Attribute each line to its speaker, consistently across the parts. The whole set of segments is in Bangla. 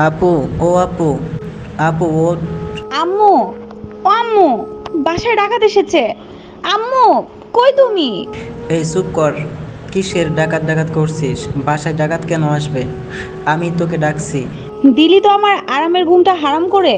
Speaker 1: আপু, ও আপু, আপু ও।
Speaker 2: আম্মু, ও আম্মু, বাসায় ডাকাত এসেছে। আম্মু, কই তুমি?
Speaker 1: এই চুপ কর। কিসের ডাকাত ডাকাত করছিস? বাসায় ডাকাত কেন আসবে? আমি তোকে ডাকছি।
Speaker 2: দিলি তো আমার আরামের ঘুমটা হারাম করে।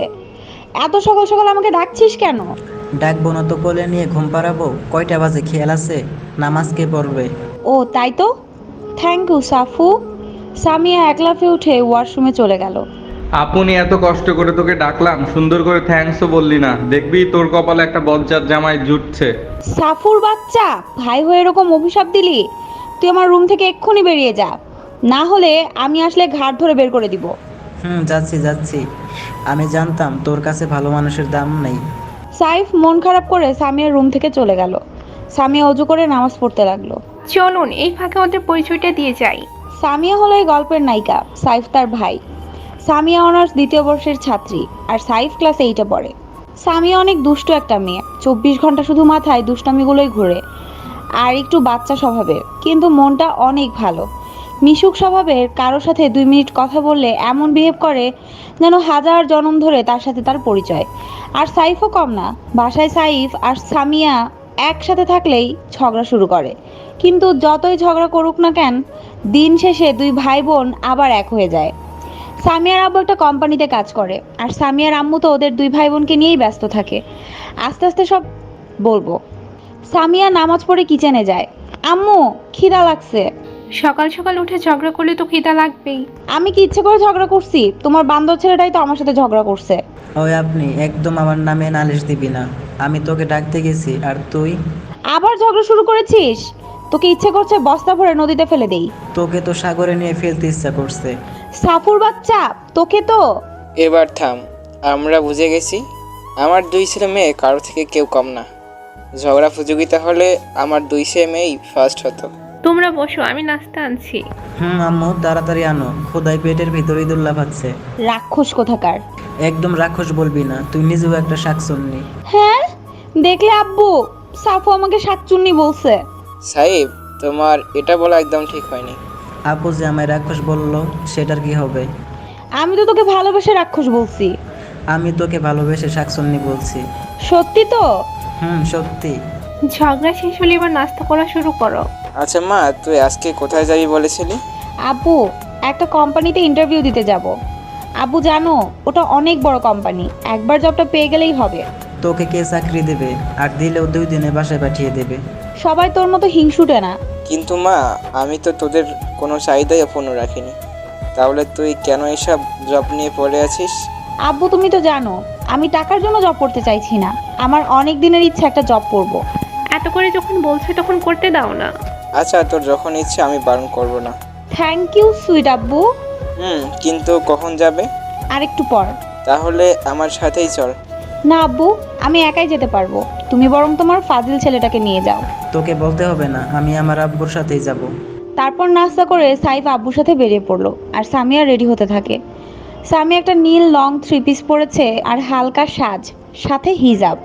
Speaker 2: এত সকাল সকাল আমাকে ডাকছিস কেন?
Speaker 1: ডাকবো না তো কোলে নিয়ে ঘুম পাড়াবো? কয়টা বাজে খেয়াল আছে? নামাজ কে পড়বে?
Speaker 2: ও তাই তো। Thank you সাফু। সামিয়া এক লাফে উঠে ওয়াশরুমে চলে গেল।
Speaker 3: আপনি এত কষ্ট করে তোকে ডাকলাম, সুন্দর করে থ্যাঙ্কসও বললি না। দেখবি তোর কপালে একটা বজ্জাত জামাই জুটছে।
Speaker 2: সাফুর বাচ্চা, ভাই হয়ে এরকম অভিশাপ দিলি? তুই আমার রুম থেকে এক্ষুনি বেরিয়ে যা, না হলে আমি আসলে ঘাট ধরে বের করে দিব।
Speaker 1: যাচ্ছি যাচ্ছি। আমি জানতাম তোর কাছে ভালো মানুষের দাম নেই।
Speaker 2: সাইফ মন খারাপ করে সামিয়ার রুম থেকে চলে গেল। সামিয়া অজু করে নামাজ পড়তে লাগলো।
Speaker 4: চলুন এই ফাঁকে ওদের পরিচয়টা দিয়ে যাই।
Speaker 2: সামিয়া হলো এই গল্পের নায়িকা, সাইফ তার ভাই। সামিয়া অনার্স দ্বিতীয় বর্ষের ছাত্রী, আর সাইফ ক্লাস 8-এ পড়ে। সামিয়া অনেক দুষ্ট একটা মেয়ে, 24 ঘন্টা শুধু মাথায় দুষ্টামিগুলোই ঘুরে। আর একটু বাচ্চা স্বভাবের, কিন্তু মনটা অনেক ভালো। মিশুক স্বভাবের, কারোর সাথে 2 মিনিট কথা বললে এমন বিহেভ করে যেন হাজার জনম ধরে তার সাথে তার পরিচয়। আর সাইফও কম না। বাসায় সাইফ আর সামিয়া একসাথে থাকলেই ঝগড়া শুরু করে, কিন্তু যতই ঝগড়া করুক না কেন, দিন শেষে দুই ভাই বোন আবার এক হয়ে যায়। সামিয়ার আব্বু একটা কোম্পানিতে কাজ করে, আর সামিয়ার আম্মু তো ওদের দুই ভাই বোনকে নিয়েই ব্যস্ত থাকে। আস্তে আস্তে সব বলবো। সামিয়া নামাজ পড়ে কিচেনে যায়। আম্মু, খিদা লাগছে।
Speaker 4: সকাল সকাল উঠে ঝগড়া করলে তো খিদা লাগবেই।
Speaker 2: আমি কি ইচ্ছে করে ঝগড়া করছি? তোমার বান্দর ছেলেটাই তো আমার সাথে ঝগড়া করছে।
Speaker 1: ওই আপনি একদম আমার নামে নালিশ দিবি না। আমি তোকে ডাকতে গেছি আর তুই।
Speaker 2: আবার ঝগড়া শুরু করেছিস? তোকে ইচ্ছে করছে বস্তা ভরে নদীতে ফেলে দেই।
Speaker 1: তোকে তো সাগরে নিয়ে ফেলতে ইচ্ছা করছে।
Speaker 2: সাফুর বাচ্চা, তোকে তো।
Speaker 5: এবার থাম। আমরা বুঝে গেছি আমার দুই ছেলে মেয়ে কারো থেকে কেউ কম না। ঝগড়া প্রতিযোগিতা হলে আমার দুই ছেলে মেয়েই ফার্স্ট হতো।
Speaker 4: তোমরা বসো, আমি নাস্তা আনছি।
Speaker 1: আম্মু তাড়াতাড়ি আনো, খোদাই পেটের ভিতরে ইঁদুর লাফাচ্ছে।
Speaker 2: রাক্ষস কোথাকার।
Speaker 1: একদম রাক্ষস বলবি না, তুই নিজেও একটা শাকচুন্নি।
Speaker 2: হ্যাঁ, দেখলে আব্বু, সাফু আমাকে শাকচুন্নি বলছে।
Speaker 5: সাহেব, তোমার এটা বলা একদম ঠিক হয়নি।
Speaker 1: আপু যে আমায় রাক্ষস বললো, সেটার কি হবে?
Speaker 2: আমি তো তোকে ভালোবেসে রাক্ষস বলছি।
Speaker 1: আমি তোকে ভালোবেসে শাকচুন্নি বলছি।
Speaker 2: সত্যি তো?
Speaker 1: সত্যি।
Speaker 4: ঝগড়া শেষ হলে এবার নাস্তা করা শুরু করো।
Speaker 5: আচ্ছা মা, তুই আজকে কোথায় যাবি বলেছিলি?
Speaker 2: আব্বু, একটা কোম্পানিতে ইন্টারভিউ দিতে যাব। আব্বু জানো, ওটা অনেক বড় কোম্পানি, একবার জবটা পেয়ে গেলেই হবে।
Speaker 1: তোকে কে চাকরি দেবে? আর দিলেও 2 দিনে বাসায় পাঠিয়ে দেবে।
Speaker 2: সবাই তোর মতো হিংসুটে না।
Speaker 5: কিন্তু মা, আমি তো তোদের কোনো চাহিদাই অপূর্ণ রাখিনি। তাহলে তুই কেন এসব জব নিয়ে পড়ে আছিস?
Speaker 2: আব্বু, তুমি তো জানো আমি টাকার জন্য জব করতে চাইছি না। আমার অনেক দিনের ইচ্ছা একটা জব করব।
Speaker 4: এত করে যখন বলছে তখন করতে দাও না।
Speaker 5: আচ্ছা, তোর যখন ইচ্ছে আমি বারণ করব না।
Speaker 2: থ্যাংক ইউ সুইট আব্বু।
Speaker 5: কিন্তু কখন যাবে?
Speaker 2: আর একটু পর।
Speaker 5: তাহলে আমার সাথেই চল।
Speaker 2: না আব্বু, আমি একাই যেতে পারবো। তুমি বরং তোমার ফাজিল ছেলেটাকে নিয়ে যাও।
Speaker 1: তোকে বলতে হবে না, আমি আমার আব্বুর সাথেই যাব।
Speaker 2: তারপর নাস্তা করে সাইফ আব্বুর সাথে বেরিয়ে পড়লো, আর সামিয়া রেডি হতে থাকে। সামিয়া একটা নীল লং 3 পিস পরেছে আর হালকা সাজ, সাথে হিজাব।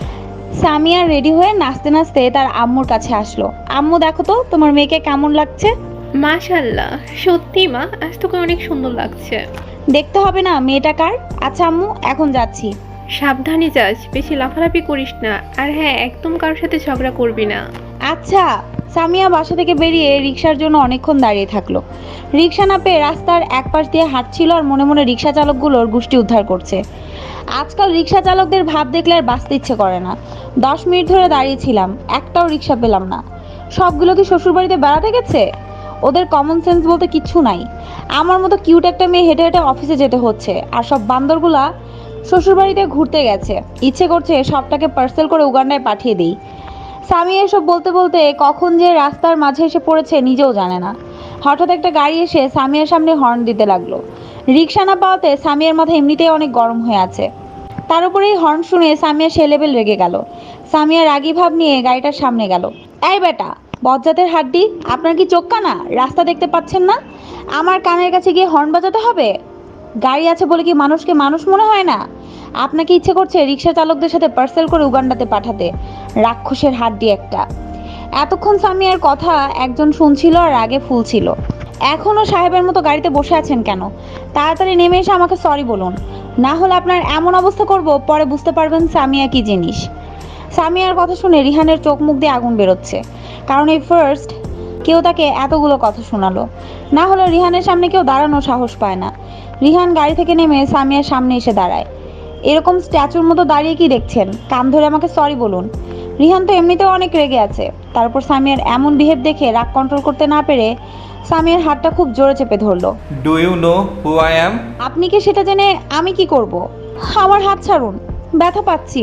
Speaker 2: সামিয়া রেডি হয়ে নাচতে নাচতে তার আম্মুর কাছে আসলো। আম্মু, দেখো তো তোমার মেয়েকে কেমন লাগছে।
Speaker 4: মাশাআল্লাহ, সত্যি মা, আজ তোকে অনেক সুন্দর লাগছে।
Speaker 2: দেখতে হবে না মেয়েটা কার? আচ্ছা আম্মু, এখন যাচ্ছি।
Speaker 4: সাবধানে যাস, বেশি লাফালাফি করিস না। আর হ্যাঁ, একদম কারোর সাথে ঝগড়া করবি না।
Speaker 2: আচ্ছা। সামিয়া বাসা থেকে বেরিয়ে রিক্সার জন্য অনেকক্ষণ দাঁড়িয়ে থাকলো। রিক্সা না পেয়ে রাস্তার এক পাশ দিয়ে হাঁটছিল, আর মনে মনে রিক্সা চালকগুলোর গোষ্ঠী উদ্ধার করছে। আজকাল রিক্সা চালকদের ভাব দেখলে আর বাঁচতে ইচ্ছে করে না। 10 মিনিট ধরে দাঁড়িয়েছিলাম, একটাও রিক্সা পেলাম না। সবগুলো কি শ্বশুরবাড়িতে বেড়াতে গেছে? ওদের কমন সেন্স বলতে কিচ্ছু নাই। আমার মতো কিউট একটা মেয়ে হেঁটে হেঁটে অফিসে যেতে হচ্ছে, আর সব বান্দরগুলা শ্বশুরবাড়িতে ঘুরতে গেছে। ইচ্ছে করছে সবটাকে পার্সেল করে উগান্ডায় পাঠিয়ে দিই। স্বামী এসব বলতে বলতে কখন যে রাস্তার মাঝে এসে পড়েছে নিজেও জানে না। হঠাৎ একটা গাড়ি এসে সামিয়ার সামনে হর্ন দিতে লাগলো। রিক্সা না পাওয়াতে সামিয়ার মাথা এমনিতেই অনেক গরম হয়ে আছে। তার উপরে এই হর্ন শুনে সামিয়া সে লেভেল রেগে গেল। সামিয়া রাগী ভাব নিয়ে গাড়িটার সামনে গেল। এই বেটা, বজ্জাতের হাড্ডি, আপনার কি চোখ কানা? রাস্তা দেখতে পাচ্ছেন না? আমার কানের কাছে গিয়ে হর্ন বাজাতে হবে? গাড়ি আছে বলে কি মানুষকে মানুষ মনে হয় না? আপনাকে ইচ্ছে করছে রিক্সা চালকদের সাথে পার্সেল করে উগান্ডাতে পাঠাতে? রাক্ষসের হাড্ডি একটা। এতক্ষণ সামিয়ার কথা একজন শুনছিল আর রাগে ফুলছিল। এখনও সাহেবের মতো গাড়িতে বসে আছেন কেন? তাড়াতাড়ি নেমে এসে আমাকে সরি বলুন, না হলে আপনার এমন অবস্থা করব পরে বুঝতে পারবেন সামিয়া কি জিনিস। সামিয়ার কথা শুনে রিহানের চোখ মুখ দিয়ে আগুন বেরোচ্ছে, কারণ এই ফার্স্ট কেউ তাকে এতগুলো কথা শোনালো। না হলে রিহানের সামনে কেউ দাঁড়ানোর সাহস পায় না। রিহান গাড়ি থেকে নেমে সামিয়ার সামনে এসে দাঁড়ায়। এরকম স্ট্যাচুর মতো দাঁড়িয়ে কি দেখছেন? কান ধরে আমাকে সরি বলুন। রিহান তো এমনিতেও অনেক রেগে আছে, তারপর সামিয়ার এমন বিহেভ দেখে রাগ কন্ট্রোল করতে না পেরে সামিয়ার হাতটা খুব জোরে চেপে ধরলো।
Speaker 3: Do you know who I am?
Speaker 2: আপনি কি সেটা জেনে আমি কি করব? আমার হাত ছাড়ুন, ব্যথা পাচ্ছি।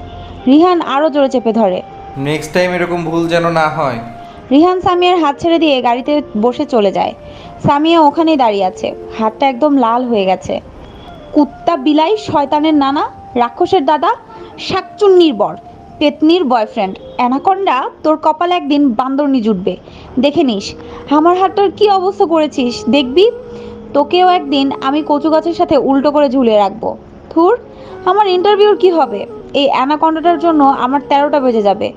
Speaker 2: রিহান আরো জোরে চেপে ধরে।
Speaker 3: নেক্সট টাইম এরকম ভুল যেন না হয়।
Speaker 2: রিহান সামিয়ার হাত ছেড়ে দিয়ে গাড়িতে বসে চলে যায়। সামিয়া ওখানেই দাঁড়িয়ে আছে, হাতটা একদম লাল হয়ে গেছে। কুত্তা বিলাই, শয়তানের নানা, রাক্ষসের দাদা, শাকচুন্নির বর, পেতনির বয়ফ্রেন্ড, অ্যানাকন্ডা, তোর কপালে একদিন বান্দরনি জুটবে, দেখে নিস। আমার হাতটার কি অবস্থা করেছিস দেখবি। তোকেও একদিন আমি কচু গাছের সাথে উল্টো করে ঝুলিয়ে রাখবো। থুর, আমার ইন্টারভিউর কি হবে? এই অ্যানাকন্ডাটার জন্য আমার 13টা বেজে যাবে।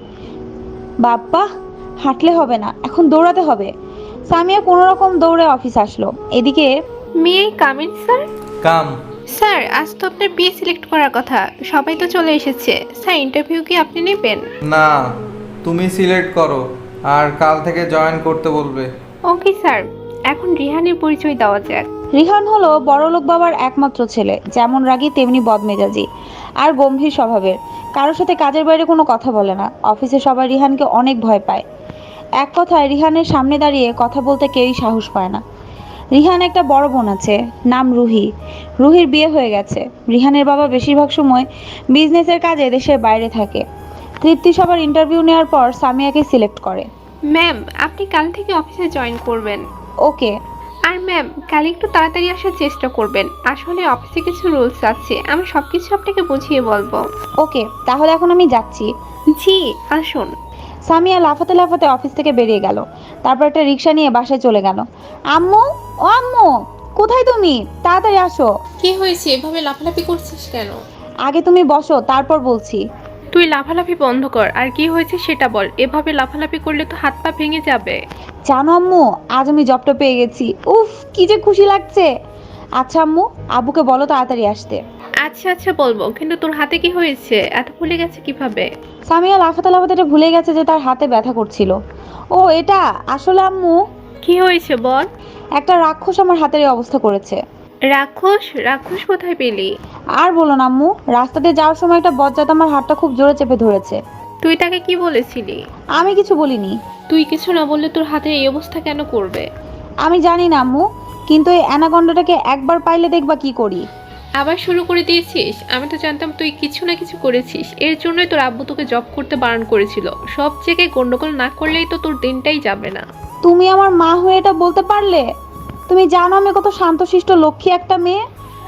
Speaker 2: বাপ্পা, হাঁটলে হবে না, এখন দৌড়াতে হবে। সামিয়া কোনো রকম দৌড়ে অফিস আসলো। এদিকে
Speaker 4: may I come in sir?
Speaker 3: Come.
Speaker 4: Sir, আজ তো আপনার বিয়ে সিলেক্ট করার কথা, সবাই তো চলে এসেছে। স্যার, ইন্টারভিউ কি আপনি নেবেন?
Speaker 3: না, তুমি সিলেক্ট করো আর কাল থেকে জয়েন করতে বলবে।
Speaker 4: Okay sir. এখন রিহানের পরিচয় দেওয়া যাক।
Speaker 2: রিহান হলো বড়লোক বাবার একমাত্র ছেলে, যেমন রাগী তেমনি বদমেজাজি আর গম্ভীর স্বভাবের। কারোর সাথে কাজের বাইরে কোনো কথা বলে না। অফিসে সবাই রিহানকে অনেক ভয় পায়। এক কথায় রিহানের সামনে দাঁড়িয়ে কথা বলতে কেউই সাহস পায় না। রিহান একটা বড় বোন আছে, নাম রুহি। রুহির বিয়ে হয়ে গেছে। রিহানের বাবা বেশিরভাগ সময় বিজনেসের কাজে দেশের বাইরে থাকে। তৃপ্তি সবার ইন্টারভিউ নেওয়ার পর সামিয়াকে সিলেক্ট করে।
Speaker 4: ম্যাম, আপনি কাল থেকে অফিসে জয়েন করবেন।
Speaker 2: ওকে।
Speaker 4: আর ম্যাম, কাল একটু তাড়াতাড়ি আসার চেষ্টা করবেন। আসলে অফিসে কিছু রুলস আছে, আমি সবকিছু আপনাকে বুঝিয়ে বলবো।
Speaker 2: ওকে, তাহলে এখন আমি যাচ্ছি।
Speaker 4: জি, আসুন।
Speaker 2: সামিয়া লাফাতে লাফাতে অফিস থেকে বেরিয়ে গেল। তারপর একটা রিক্সা নিয়ে বাসায় চলে গেল। আম্মু, ও আম্মু, কোথায় তুমি? তাড়াতাড়ি আসো।
Speaker 4: কি হয়েছে? এভাবে লাফালাফি করছিস কেন?
Speaker 2: আগে তুমি বসো, তারপর বলছি।
Speaker 4: তুই লাফালাফি বন্ধ কর, আর কি হয়েছে সেটা বল। এভাবে লাফালাফি করলে তো হাত পা ভেঙে যাবে।
Speaker 2: জানো আম্মু, আজ আমি জবটা পেয়ে গেছি। উফ, কি যে খুশি লাগছে। আচ্ছা আম্মু, আব্বুকে বলো তাড়াতাড়ি আসতে।
Speaker 4: আচ্ছা আচ্ছা বলবো, কিন্তু তোর হাতে কি হয়েছে? এত ফুলে গেছে কিভাবে?
Speaker 2: সামিয়া লাফাতে লাফাতে এটা ভুলে গেছে যে তার হাতে ব্যথা করছিল। ও এটা আসলে আম্মু,
Speaker 4: কি হয়েছে বল।
Speaker 2: একটা রাক্ষস আমার হাতের এই অবস্থা করেছে।
Speaker 4: রাক্ষস? রাক্ষস কোথায় পেলি?
Speaker 2: আর বলো না আম্মু, রাস্তা দিয়ে যাওয়ার সময় একটা বজ্জাত আমার হাতটা খুব জোরে চেপে ধরেছে।
Speaker 4: তুই তাকে কি বলেছিলি?
Speaker 2: আমি কিছু বলিনি।
Speaker 4: তুই কিছু না বললে তোর হাতের এই অবস্থা কেন করবে?
Speaker 2: আমি জানি না আম্মু, কিন্তু এই অ্যানাকন্ডাটাকে একবার পাইলে দেখবা কি করি।
Speaker 4: আবার শুরু করে দিয়েছিস? আমি তো জানতাম তুই কিছু না কিছু করেছিস। এর জন্যই তোর আব্বু তোকে জব করতে বারণ করেছিল। সব জায়গায় গন্ডগোল না করলেই তো তোর দিনটাই যাবে না।
Speaker 2: তুমি আমার মা হয়ে এটা বলতে পারলে? তুমি জানো আমি কত শান্তশিষ্ট লক্ষ্মী একটা মেয়ে।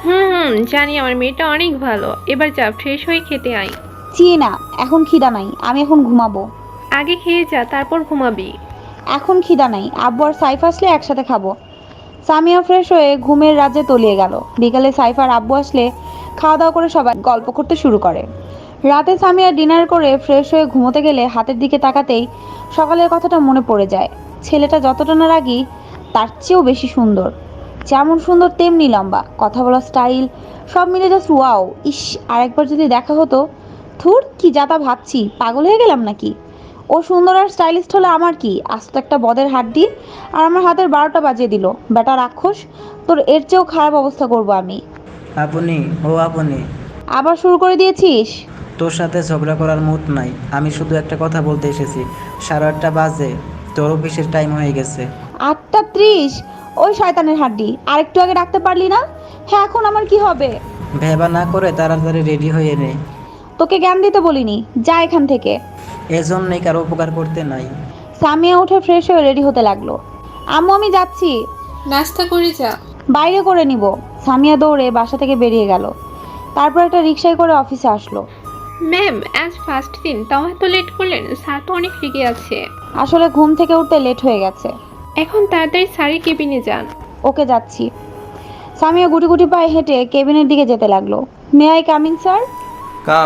Speaker 4: জানি আমার মেয়েটা অনেক ভালো। এবার যা, ফ্রেশ হয়ে খেতে আয়।
Speaker 2: চি না, এখন খিদা নাই, আমি এখন ঘুমাবো।
Speaker 4: আগে খেয়ে যা, তারপর ঘুমাবি।
Speaker 2: এখন খিদা নাই, আব্বু আর সাইফ আসলে একসাথে খাবো। সামিয়া ফ্রেশ হয়ে ঘুমের রাজ্যে তলিয়ে গেল। বিকালে সাইফ আর আব্বু আসলে খাওয়া দাওয়া করে সবাই গল্প করতে শুরু করে। রাতে সামিয়া ডিনার করে ফ্রেশ হয়ে ঘুমোতে গেলে হাতের দিকে তাকাতেই সকালের কথাটা মনে পড়ে যায়। ছেলেটা যতটা না রাগী তার চেয়েও বেশি সুন্দর। যেমন সুন্দর তেমনি লম্বা, কথা বলার স্টাইল সব মিলে জাস্ট ওয়াও। ইস, আরেকবার যদি দেখা হতো। থুর, কি যাতা ভাবছি, পাগল হয়ে গেলাম নাকি? ও সুন্দর আর স্টাইলিস্ট হলে আমার কি? আস্ত একটা বদের হাড্ডি, আর আমার হাতের 12টা বাজিয়ে দিল। বেটা রাক্ষস, তোর এর চেয়েও খারাপ অবস্থা করব আমি।
Speaker 1: আপনি, ও আপনি,
Speaker 2: আবার শুরু করে দিয়েছিস?
Speaker 1: তোর সাথে ঝগড়া করার মুড নাই। আমি শুধু একটা কথা বলতে এসেছি। 8:30 বাজে, তোর অফিসের টাইম হয়ে গেছে।
Speaker 2: 8:30? ওই শয়তানের হাড্ডি, আর একটু আগে ডাকতে পারলি না? হ্যাঁ, এখন আমার কি হবে?
Speaker 1: ভেবা না করে তাড়াতাড়ি রেডি হয়ে নে।
Speaker 2: তোকে জ্ঞান দিতে বলিনি, যা এখান থেকে।
Speaker 1: এজন্যই কারো উপকার করতে নাই।
Speaker 2: সামিয়া উঠে ফ্রেশ হয়ে রেডি হতে লাগলো। আম্মু, আমি যাচ্ছি।
Speaker 4: নাস্তা করে যা।
Speaker 2: বাইরে করে নিব। সামিয়া দৌড়ে বাসা থেকে বেরিয়ে গেল। তারপর একটা রিক্সায় করে অফিসে আসলো।
Speaker 4: ম্যাম, আজ ফার্স্ট দিন, তাও এত লেট করলেন? স্যার তো অনেক রেগে আছে।
Speaker 2: আসলে ঘুম থেকে উঠতে লেট হয়ে গেছে।
Speaker 4: এখন তাড়াতাড়ি স্যারের কেবিনে যান।
Speaker 2: ওকে, যাচ্ছি। সামিয়া গুটি গুটি পায়ে হেঁটে কেবিনের দিকে যেতে লাগলো। May I coming sir?
Speaker 3: Come.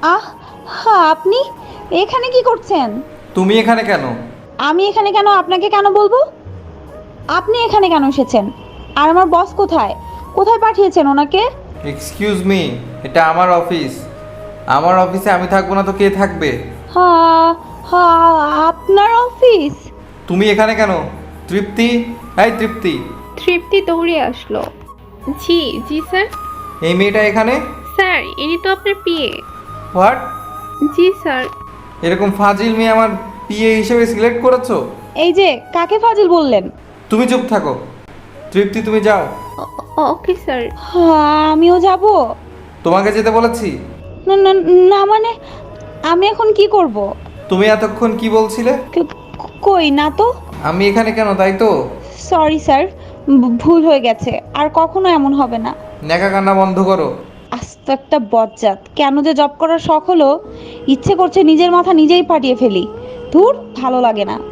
Speaker 2: হ্যাঁ, আপনি এখানে কি করছেন?
Speaker 3: তুমি এখানে কেন?
Speaker 2: আমি এখানে কেন আপনাকে কেন বলবো? আপনি এখানে কেন এসেছেন? আর আমার বস কোথায়? কোথায় পাঠিয়েছেন ওনাকে?
Speaker 3: এক্সকিউজ মি, এটা আমার অফিস। আমার অফিসে আমি থাকবো না তো কে থাকবে?
Speaker 2: হ্যাঁ হ্যাঁ, আপনার অফিস?
Speaker 3: তুমি এখানে কেন? তৃপ্তি, এই তৃপ্তি,
Speaker 4: তৃপ্তি দৌড়ে আসলো। জি জি স্যার।
Speaker 3: এই মেয়েটা এখানে?
Speaker 4: স্যার ইনি তো আপনার পিএ।
Speaker 3: হোয়াট?
Speaker 4: G sir.
Speaker 3: এরকম ফাজিল মেয়ে আমার পিএ হিসেবে সিলেক্ট করেছো?
Speaker 2: এই যে কাকে ফাজিল বললেন?
Speaker 3: তুমি চুপ থাকো। তৃপ্তি তুমি যাও।
Speaker 4: Okay sir.
Speaker 2: হ্যাঁ, আমিও যাব?
Speaker 3: তোমাকে যেতে বলেছি।
Speaker 2: না না না, মানে আমি এখন কি করব?
Speaker 3: তুমি এতক্ষণ কি বলছিলে?
Speaker 2: কই না তো।
Speaker 3: আমি এখানে কেন, তাই তো?
Speaker 2: সরি স্যার, ভুল হয়ে গেছে, আর কখনো এমন হবে না।
Speaker 3: নেকা কান্না বন্ধ করো।
Speaker 2: আস্ত একটা বজ্জাত, কেন যে জব করার শখ হলো, ইচ্ছে করছে নিজের মাথা নিজেই ফাটিয়ে ফেলি। ধুর, ভালো লাগে না।